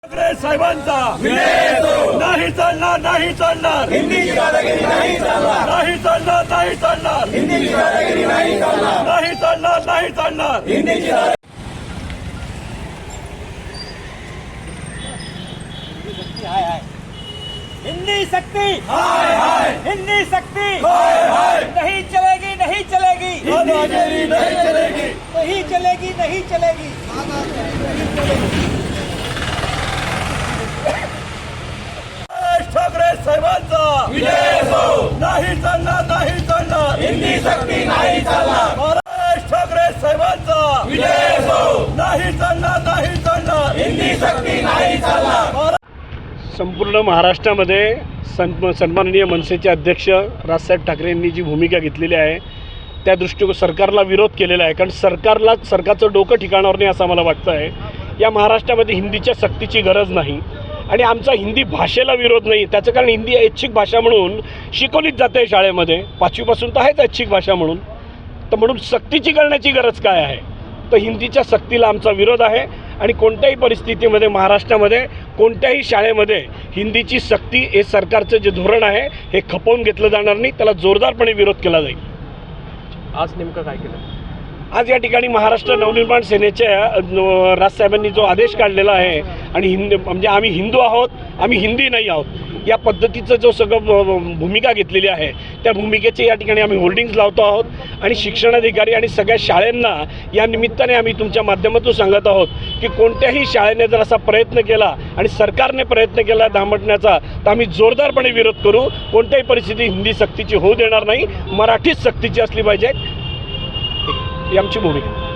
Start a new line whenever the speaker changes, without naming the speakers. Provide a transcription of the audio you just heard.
ठाकरे साहेबांचा नाही चालणार, नाही चालणार,
हिंदीची दादागिरी नाही चालणार,
नाही चालणार, नाही चालणार,
हिंदीची दादागिरी नाही चालणार,
नाही चालणार, नाही चालणार.
हिंदीची
हिंदी शक्ति
हाय हाय
हिंदी शक्ति
हाय हाय
नहीं चलेगी, नहीं चलेगी,
दादागिरी नहीं चलेगी,
नहीं चलेगी, नहीं चलेगी।
ठाकरे साहेबांचा
विजय असो,
नाही चालणार, नाही चालणार,
हिंदी शक्ती नाही चालणार,
महाराज ठाकरे साहेबांचा
विजय असो,
नाही चालणार, नाही चालणार,
हिंदी शक्ती नाही चालणार.
संपूर्ण महाराष्ट्रामध्ये सन्माननीय मनसेचे अध्यक्ष राजसाहेब ठाकरे यांनी जी भूमिका घेतलेली आहे त्या दृष्टीकोन सरकारला विरोध केलेला आहे. कारण सरकारचं डोकं ठिकाणावर नाही असं मला वाटतं आहे. या महाराष्ट्रामध्ये हिंदीच्या सक्तीची गरज नाही आणि आमचा हिंदी भाषेला विरोध नाही. त्याचं कारण हिंदी ऐच्छिक भाषा म्हणून शिकवलीच जाते शाळेमध्ये, 5वीपासून तर आहेच ऐच्छिक भाषा म्हणून. तर म्हणून सक्तीची करण्याची गरज काय आहे? तर हिंदीच्या सक्तीला आमचा विरोध आहे आणि कोणत्याही परिस्थितीमध्ये महाराष्ट्रामध्ये कोणत्याही शाळेमध्ये हिंदीची सक्ती हे सरकारचं जे धोरण आहे हे खपवून घेतलं जाणार नाही. त्याला जोरदारपणे विरोध केला जाईल.
आज नेमकं काय केलं?
आज या ठिकाणी महाराष्ट्र नवनिर्माण सेनेच्या राजसाहेबांनी जो आदेश काढलेला आहे आणि म्हणजे आम्ही हिंदू आहोत, आम्ही हिंदी नाही आहोत या पद्धतीचं जो सगळं भूमिका घेतलेली आहे त्या भूमिकेचे या ठिकाणी आम्ही होर्डिंग्ज लावतो आहोत आणि शिक्षणाधिकारी आणि सगळ्या शाळांना या निमित्ताने आम्ही तुमच्या माध्यमातून सांगत आहोत की कोणत्याही शाळेने जर असा प्रयत्न केला आणि सरकारने प्रयत्न केला दामटण्याचा तर आम्ही जोरदारपणे विरोध करू. कोणत्याही परिस्थिती हिंदी सक्तीची होऊ देणार नाही. मराठीच सक्तीची असली पाहिजे ही आमची भूमिका.